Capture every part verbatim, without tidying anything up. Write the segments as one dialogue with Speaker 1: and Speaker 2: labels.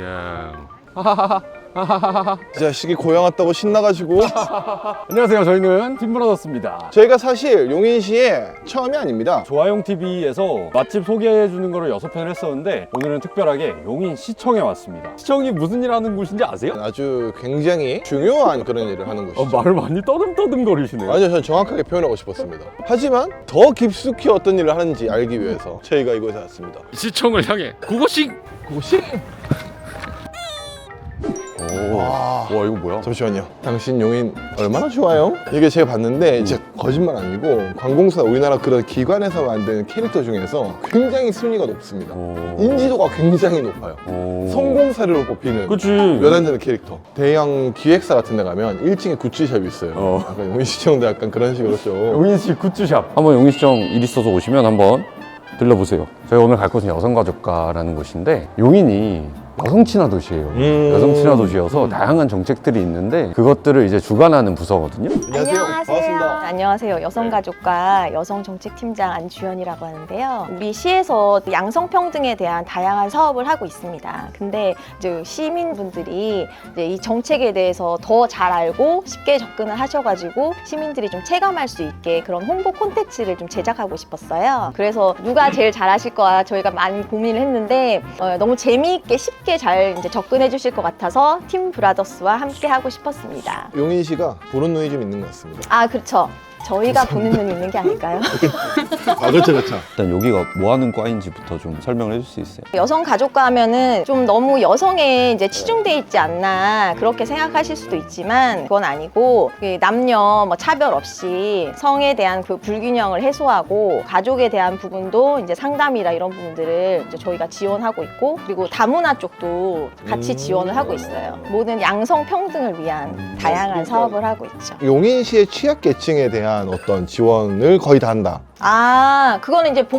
Speaker 1: 이야.
Speaker 2: 이 자식이 고향 왔다고 신나가지고.
Speaker 3: 안녕하세요. 저희는 팀브라더스입니다.
Speaker 2: 저희가 사실 용인시에 처음이 아닙니다.
Speaker 3: 조아용티비에서 맛집 소개해주는 거를 여섯 편을 했었는데 오늘은 특별하게 용인시청에 왔습니다. 시청이 무슨 일 하는 곳인지 아세요?
Speaker 2: 아주 굉장히 중요한 그런 일을 하는
Speaker 3: 어,
Speaker 2: 곳이죠.
Speaker 3: 말을 많이 떠듬떠듬 거리시네요.
Speaker 2: 아니요, 저는 정확하게 표현하고 싶었습니다. 하지만 더 깊숙이 어떤 일을 하는지 알기 위해서 저희가 이곳에 왔습니다.
Speaker 1: 시청을 향해 그곳이
Speaker 2: 그곳이?
Speaker 3: 오.
Speaker 2: 와.
Speaker 3: 와, 이거 뭐야?
Speaker 2: 잠시만요. 당신 용인 얼마나 좋아요? 이게 제가 봤는데 진짜 거짓말 아니고 관공서 우리나라 그런 기관에서 만든 캐릭터 중에서 굉장히 순위가 높습니다.
Speaker 3: 오.
Speaker 2: 인지도가 굉장히 높아요.
Speaker 3: 오.
Speaker 2: 성공 사례로 뽑히는
Speaker 3: 그치.
Speaker 2: 몇 안 되는 캐릭터. 대형 기획사 같은 데 가면 일 층에 굿즈샵이 있어요.
Speaker 3: 어.
Speaker 2: 약간 용인시청도 약간 그런 식으로 좀.
Speaker 3: 용인시 굿즈샵. 한번 용인시청 일 있어서 오시면 한번 들러보세요. 저희 오늘 갈 곳은 여성가족과라는 곳인데 용인이 여성 친화 도시예요.
Speaker 2: 음.
Speaker 3: 여성 친화 도시여서 다양한 정책들이 있는데 그것들을 이제 주관하는 부서거든요.
Speaker 2: 안녕하세요. 반갑습니다.
Speaker 4: 안녕하세요. 여성가족과 여성정책팀장 안주연이라고 하는데요. 우리 시에서 양성평등에 대한 다양한 사업을 하고 있습니다. 근데 이제 시민분들이 이제 이 정책에 대해서 더 잘 알고 쉽게 접근을 하셔가지고 시민들이 좀 체감할 수 있게 그런 홍보 콘텐츠를 좀 제작하고 싶었어요. 그래서 누가 제일 잘하실 거야 저희가 많이 고민을 했는데 어, 너무 재미있게 쉽게 잘 이제 접근해 주실 것 같아서 팀 브라더스와 함께 하고 싶었습니다.
Speaker 2: 용인시가 보는 눈이 좀 있는 것 같습니다.
Speaker 4: 아 그렇죠. 저희가 보는 눈이 있는 게 아닐까요?
Speaker 2: 아, 그렇죠, 그렇죠.
Speaker 3: 일단 여기가 뭐 하는 과인지부터 좀 설명을 해줄 수 있어요?
Speaker 4: 여성 가족과 하면은 좀 너무 여성에 이제 치중돼 있지 않나 그렇게 생각하실 수도 있지만 그건 아니고 남녀 뭐 차별 없이 성에 대한 그 불균형을 해소하고 가족에 대한 부분도 이제 상담이나 이런 부분들을 이제 저희가 지원하고 있고 그리고 다문화 쪽도 같이 지원을 하고 있어요. 모든 양성 평등을 위한 다양한 사업을 하고 있죠.
Speaker 2: 용인시의 취약계층에 대한 어떤 지원을 거의 다 한다.
Speaker 4: 아, 그거는 이제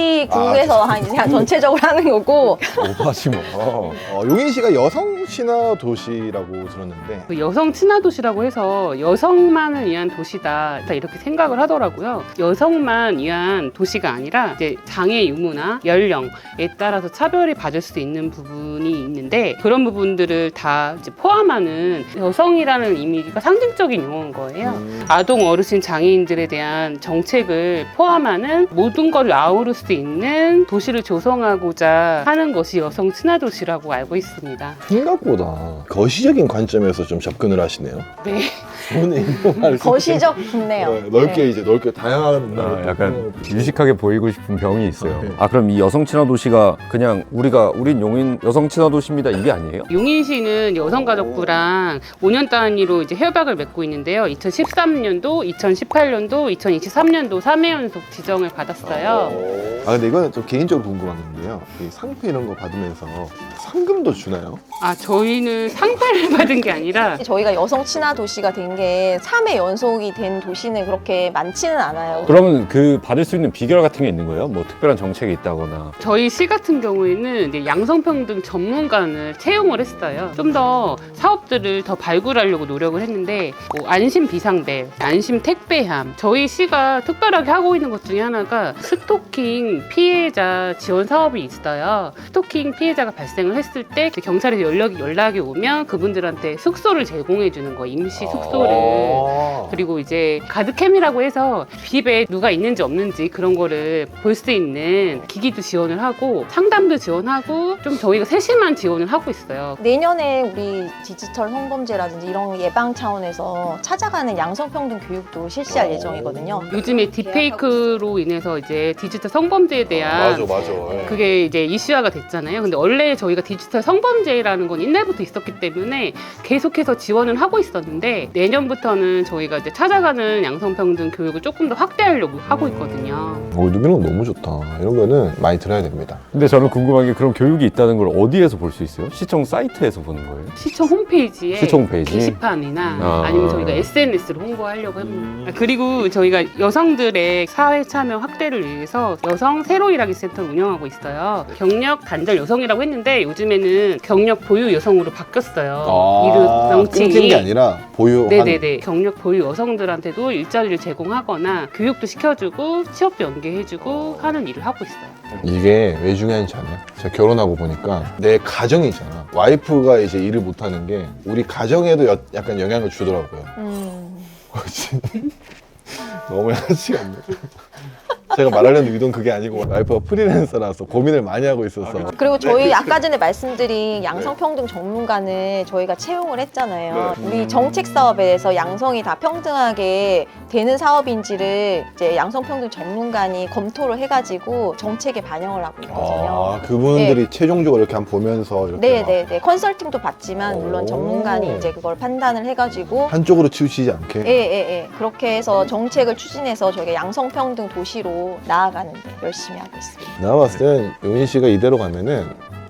Speaker 4: 복지국에서 한 이제 전체적으로 하는 거고.
Speaker 3: 오바지 뭐.
Speaker 2: 어, 용인시가 여성 친화 도시라고 들었는데
Speaker 5: 그 여성 친화 도시라고 해서 여성만을 위한 도시다 다 이렇게 생각을 하더라고요. 여성만 위한 도시가 아니라 이제 장애 유무나 연령에 따라서 차별이 받을 수 있는 부분이 있는데 그런 부분들을 다 이제 포함하는 여성이라는 이미지가 상징적인 용어인 거예요.
Speaker 2: 음.
Speaker 5: 아동, 어르신, 장애인들에 대한 정책을 포함하는 모든 걸 아우를 수 있는 도시를 조성하고자 하는 것이 여성 친화 도시라고 알고 있습니다.
Speaker 2: 생각보다 거시적인 관점에서 좀 접근을 하시네요.
Speaker 5: 네.
Speaker 2: 오늘 이용할 수
Speaker 4: 거시적 좋네요.
Speaker 2: 네, 넓게
Speaker 4: 네.
Speaker 2: 이제 넓게 다양한
Speaker 3: 아, 약간 유식하게 보이고 싶은 병이 있어요.
Speaker 2: 아, 네.
Speaker 3: 아, 그럼 이 여성 친화 도시가 그냥 우리가 우린 용인 여성 친화 도시입니다 이게 아니에요?
Speaker 5: 용인시는 여성가족부랑 오 년 단위로 이제 협약을 맺고 있는데요. 이천십삼 년도, 이천십팔 년도, 이천이십삼 년도 삼 회 연속 지정을 받았어요.
Speaker 2: 아 근데 이거는 좀 개인적으로 궁금한 건데요. 이 상패 이런 거 받으면서 상금도 주나요?
Speaker 5: 아, 저희는 상패를 받은 게 아니라
Speaker 4: 저희가 여성 친화 도시가 된 게 삼 회 연속이 된 도시는 그렇게 많지는 않아요.
Speaker 3: 그러면 그 받을 수 있는 비결 같은 게 있는 거예요? 뭐 특별한 정책이 있다거나.
Speaker 5: 저희 시 같은 경우에는 이제 양성평등 전문가를 채용을 했어요. 좀 더 사업들을 더 발굴하려고 노력을 했는데 뭐 안심 비상벨, 안심 택배함 저희 시가 특별하게 하고 있는 것 중에 하나가 스토킹 피해자 지원 사업이 있어요. 스토킹 피해자가 발생을 했을 때 경찰에서 연락이, 연락이 오면 그분들한테 숙소를 제공해 주는 거 임시 숙소를
Speaker 2: 아.
Speaker 5: 그리고 이제 가드캠이라고 해서 집에 누가 있는지 없는지 그런 거를 볼 수 있는 기기도 지원을 하고 상담도 지원하고 좀 저희가 세심한 지원을 하고 있어요.
Speaker 4: 내년에 우리 디지털 성범죄라든지 이런 예방 차원에서 찾아가는 양성평등 교육도 실시할 예정이거든요.
Speaker 5: 요즘에 딥페이크로 인해서 이제 디지털 성범죄에 대한
Speaker 2: 맞아 맞아. 예.
Speaker 5: 그게 이제 이슈화가 됐잖아요. 근데 원래 저희가 디지털 성범죄라는 건 옛날부터 있었기 때문에 계속해서 지원을 하고 있었는데 내년부터는 저희가 이제 찾아가는 양성평등 교육을 조금 더 확대하려고 하고 있거든요.
Speaker 2: 오, 이런 거 너무 좋다. 이런 거는 많이 들어야 됩니다.
Speaker 3: 근데 저는 궁금한 게 그런 교육이 있다는 걸 어디에서 볼 수 있어요? 시청 사이트에서 보는 거예요?
Speaker 5: 시청 홈페이지에
Speaker 3: 시청 홈페이지?
Speaker 5: 게시판이나
Speaker 3: 아.
Speaker 5: 아니면 저희가 에스엔에스로 홍보하려고 합니다. 그리고 저희가 여성들의 사회 참여 확대를 위해서 여성 새로 일하기 센터를 운영하고 있어요. 경력 단절 여성이라고 했는데 요즘에는 경력 보유 여성으로 바뀌었어요. 이름
Speaker 2: 끊긴 게
Speaker 5: 명칭이.
Speaker 2: 아니라 보유하는
Speaker 5: 네네네. 경력 보유 여성들한테도 일자리를 제공하거나 교육도 시켜주고 취업도 연계해주고 하는 일을 하고 있어요.
Speaker 2: 이게 왜 중요한지 알아요? 제가 결혼하고 보니까 내 가정이잖아. 와이프가 이제 일을 못하는 게 우리 가정에도 여- 약간 영향을 주더라고요.
Speaker 4: 음.
Speaker 2: 너무 양아치가 없네. 제가 말하려는 의도는 그게 아니고 와이프가 프리랜서라서 고민을 많이 하고 있어서.
Speaker 4: 그리고 저희 아까 전에 말씀드린 양성평등 전문가는 저희가 채용을 했잖아요. 우리 정책 사업에 대해서 양성이 다 평등하게 되는 사업인지를 이제 양성평등 전문가니 검토를 해가지고 정책에 반영을 하고 있거든요.
Speaker 2: 아, 그분들이 최종적으로 이렇게 한번 보면서 이렇게 막
Speaker 4: 네네네. 컨설팅도 받지만 물론
Speaker 2: 오.
Speaker 4: 전문가니 이제 그걸 판단을 해가지고
Speaker 2: 한쪽으로 치우치지 않게.
Speaker 4: 예예예. 그렇게 해서 정책을 추진해서 저희가 양성평등 도시로 나아가는데 열심히 하고 있습니다.
Speaker 2: 내가 봤을 땐 용인 씨가 이대로 가면은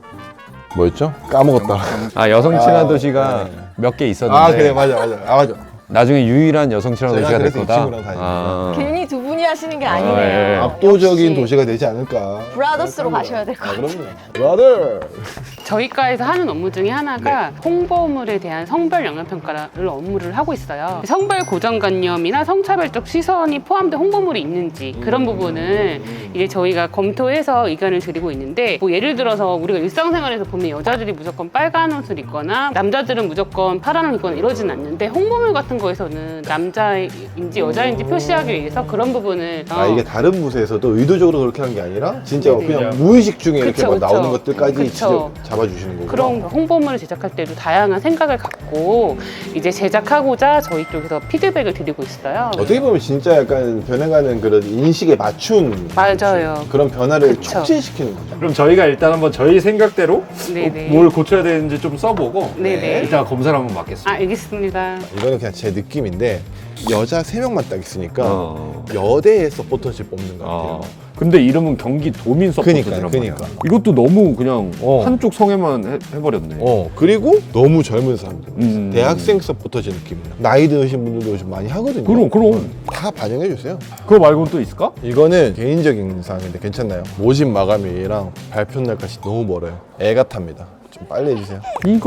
Speaker 2: 뭐였죠? 까먹었다.
Speaker 3: 아 여성 친화
Speaker 2: 아,
Speaker 3: 도시가
Speaker 2: 네.
Speaker 3: 몇 개 있었는데
Speaker 2: 아 그래 맞아 맞아. 아 맞아.
Speaker 3: 나중에 유일한 여성 친화
Speaker 2: 제가
Speaker 3: 도시가 될
Speaker 2: 그래서 이
Speaker 3: 거다.
Speaker 2: 친구랑 다니는
Speaker 3: 아.
Speaker 4: 괜히 두 분이 하시는 게
Speaker 3: 아,
Speaker 4: 아니네요.
Speaker 3: 예.
Speaker 2: 압도적인
Speaker 4: 역시
Speaker 2: 도시가 되지 않을까.
Speaker 4: 브라더스로
Speaker 2: 생각합니다.
Speaker 4: 가셔야 될 것
Speaker 2: 아,
Speaker 4: 같아요.
Speaker 2: 그럼요. 브라더.
Speaker 5: 저희 과에서 하는 업무 중에 하나가
Speaker 2: 네.
Speaker 5: 홍보물에 대한 성별 영향평가를 업무를 하고 있어요. 성별 고정관념이나 성차별적 시선이 포함된 홍보물이 있는지 그런 부분을 이제 저희가 검토해서 의견을 드리고 있는데 뭐 예를 들어서 우리가 일상생활에서 보면 여자들이 무조건 빨간 옷을 입거나 남자들은 무조건 파란 옷을 입거나 이러진 않는데 홍보물 같은 거에서는 남자인지 여자인지 표시하기 위해서 그런 부분을
Speaker 2: 아
Speaker 5: 어,
Speaker 2: 이게 다른 부서에서도 의도적으로 그렇게 한 게 아니라 진짜
Speaker 5: 네네.
Speaker 2: 그냥 무의식 중에 이렇게
Speaker 5: 그쵸,
Speaker 2: 막
Speaker 5: 그쵸.
Speaker 2: 나오는 것들까지
Speaker 5: 그쵸.
Speaker 2: 직접 잡아주시는 거고.
Speaker 5: 그런 홍보물을 제작할 때도 다양한 생각을 갖고 이제 제작하고자 저희 쪽에서 피드백을 드리고 있어요.
Speaker 2: 어떻게 보면 진짜 약간 변해가는 그런 인식에 맞춘
Speaker 5: 맞아요.
Speaker 2: 그런 변화를
Speaker 5: 그쵸.
Speaker 2: 촉진시키는 거죠.
Speaker 3: 그럼 저희가 일단 한번 저희 생각대로
Speaker 5: 네네.
Speaker 3: 뭘 고쳐야 되는지 좀 써보고
Speaker 5: 네네.
Speaker 3: 일단 검사를 한번 받겠습니다.
Speaker 5: 아, 알겠습니다.
Speaker 2: 이거는 그냥 제 느낌인데 여자 세 명만 딱 있으니까
Speaker 3: 어.
Speaker 2: 여대에 서포터십 뽑는 것 같아요.
Speaker 3: 어. 근데 이름은 경기 도민 서포터즈란
Speaker 2: 그니까요,
Speaker 3: 말이야.
Speaker 2: 그니까.
Speaker 3: 이것도 너무 그냥
Speaker 2: 어.
Speaker 3: 한쪽 성에만 해, 해버렸네.
Speaker 2: 어 그리고 너무 젊은 사람들,
Speaker 3: 음.
Speaker 2: 대학생 서포터즈 느낌이야. 나이 드신 분들도 요즘 많이 하거든요.
Speaker 3: 그럼 그럼
Speaker 2: 다 반영해 주세요.
Speaker 3: 그거 말고는 또 있을까?
Speaker 2: 이거는 개인적인 사항인데 괜찮나요? 모집 마감일이랑 발표 날까지 너무 멀어요. 애 같답니다. 좀 빨리 해주세요.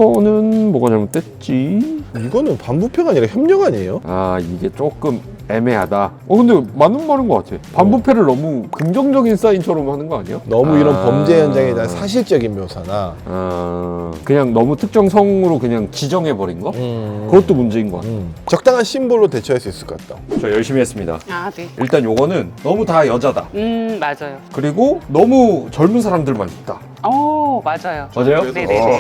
Speaker 3: 이거는 뭐가 잘못됐지?
Speaker 2: 이거는 반부패가 아니라 협력 아니에요?
Speaker 3: 아 이게 조금 애매하다. 어 근데 맞는 말인 것 같아. 반부패를 너무 긍정적인 사인처럼 하는 거 아니야?
Speaker 2: 너무 이런
Speaker 3: 아.
Speaker 2: 범죄 현장에 대한 사실적인 묘사나
Speaker 3: 아 그냥 너무 특정 성으로 그냥 지정해 버린 거?
Speaker 2: 음.
Speaker 3: 그것도 문제인 것 같아.
Speaker 2: 음. 적당한 심볼로 대처할 수 있을 것 같다.
Speaker 3: 저 열심히 했습니다.
Speaker 5: 아, 네.
Speaker 3: 일단 요거는 너무 다 여자다.
Speaker 5: 음, 맞아요.
Speaker 3: 그리고 너무 젊은 사람들만 있다.
Speaker 5: 어, 맞아요.
Speaker 3: 맞아요?
Speaker 5: 네네네.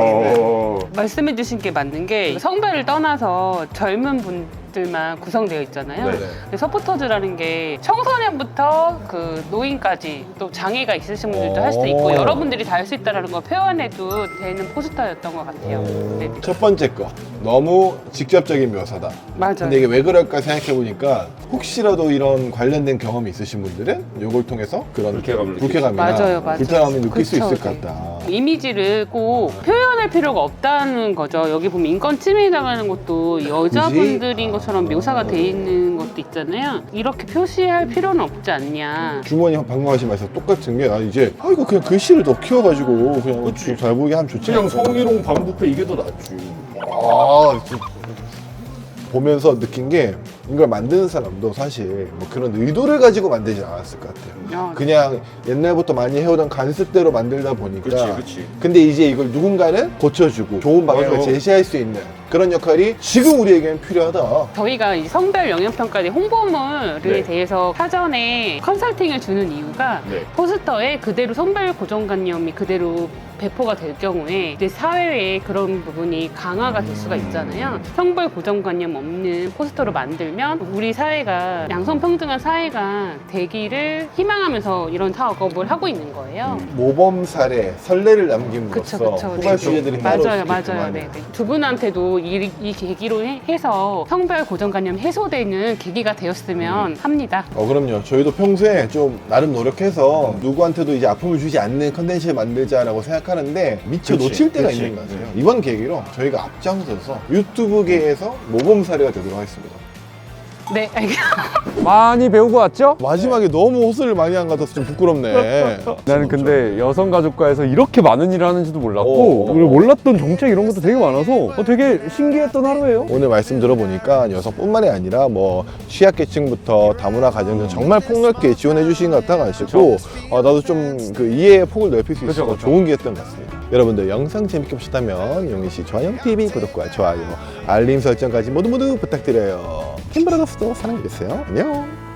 Speaker 3: 어...
Speaker 5: 말씀해 주신 게 맞는 게 성별을 떠나서 젊은 분들만 구성되어 있잖아요.
Speaker 2: 네네.
Speaker 5: 근데 서포터즈라는 게 청소년부터 그 노인까지 또 장애가 있으신 분들도 할 수 있고
Speaker 2: 오.
Speaker 5: 여러분들이 다 할 수 있다는 걸 표현해도 되는 포스터였던 것 같아요. 네.
Speaker 2: 첫 번째 거 너무 직접적인 묘사다.
Speaker 5: 맞아요.
Speaker 2: 근데 이게 왜 그럴까 생각해 보니까 혹시라도 이런 관련된 경험이 있으신 분들은 이걸 통해서 그런
Speaker 3: 불쾌감을
Speaker 2: 불쾌감이나
Speaker 5: 맞아요, 맞아요.
Speaker 2: 불편함을 느낄 수
Speaker 5: 그쵸,
Speaker 2: 있을 것
Speaker 5: 네.
Speaker 2: 같다.
Speaker 5: 이미지를 꼭 표현할 필요가 없다는 거죠. 여기 보면 인권 침해 당하는 것도 여자분들인 것처럼 묘사가 돼 있는 것도 있잖아요. 이렇게 표시할 필요는 없지 않냐.
Speaker 2: 주머니 방금 하신 말씀 똑같은 게 나 이제 아 이거 그냥 글씨를 더 키워가지고 그냥 좀 잘 보이게 하면 좋지
Speaker 3: 그냥
Speaker 2: 않을까?
Speaker 3: 성희롱 반부패 이게 더 낫지.
Speaker 2: 아, 진짜. 보면서 느낀 게 이걸 만드는 사람도 사실 뭐 그런 의도를 가지고 만들지 않았을 것 같아요.
Speaker 5: 아,
Speaker 2: 그냥 옛날부터 많이 해오던 간습대로 만들다 보니까.
Speaker 3: 그치, 그치.
Speaker 2: 근데 이제 이걸 누군가는 고쳐주고 좋은 방향을
Speaker 3: 맞아.
Speaker 2: 제시할 수 있는 그런 역할이 지금 우리에게는 필요하다.
Speaker 5: 저희가 이 성별 영향평가대 홍보물에
Speaker 3: 네.
Speaker 5: 대해서 사전에 컨설팅을 주는 이유가
Speaker 3: 네.
Speaker 5: 포스터에 그대로 성별 고정관념이 그대로 배포가 될 경우에 이제 사회에 그런 부분이 강화가 될 수가 있잖아요. 성별 고정관념 없는 포스터로 만들면 우리 사회가 양성평등한 사회가 되기를 희망하면서 이런 사업을 하고 있는 거예요.
Speaker 2: 모범 사례, 선례를 남김으로써
Speaker 5: 그쵸, 그쵸.
Speaker 2: 후발
Speaker 5: 네.
Speaker 2: 주제들이
Speaker 5: 맞아요, 맞아요. 네, 네. 두 분한테도 이, 이 계기로 해- 해서 성별 고정관념 해소되는 계기가 되었으면 합니다.
Speaker 2: 어 그럼요. 저희도 평소에 좀 나름 노력해서 누구한테도 이제 아픔을 주지 않는 컨텐츠를 만들자라고 생각하는데 미처
Speaker 3: 그치,
Speaker 2: 놓칠 때가
Speaker 3: 그치.
Speaker 2: 있는 것 같아요. 이번 계기로 저희가 앞장서서 유튜브계에서 모범 사례가 되도록 하겠습니다.
Speaker 5: 네, 알겠습니다.
Speaker 3: 많이 배우고 왔죠?
Speaker 2: 마지막에 너무 호소를 많이 한 것 같아서 좀 부끄럽네.
Speaker 3: 나는 근데 여성가족과에서 이렇게 많은 일을 하는지도 몰랐고
Speaker 2: 오.
Speaker 3: 그리고 몰랐던 정책 이런 것도 되게 많아서 어, 되게 신기했던 하루예요.
Speaker 2: 오늘 말씀 들어보니까 여성뿐만이 아니라 뭐 취약계층부터 다문화 가정들 정말 폭넓게 지원해 주신 것 같아가지고 어, 나도 좀 그 이해의 폭을 넓힐 수 있어서
Speaker 3: 그쵸, 그쵸.
Speaker 2: 좋은 기회였던 것 같습니다. 여러분들 영상 재밌게 보셨다면 용인씨 좋아요티비 구독과 좋아요 알림 설정까지 모두 모두 부탁드려요. 킴브라더스도 사랑해주세요. 안녕.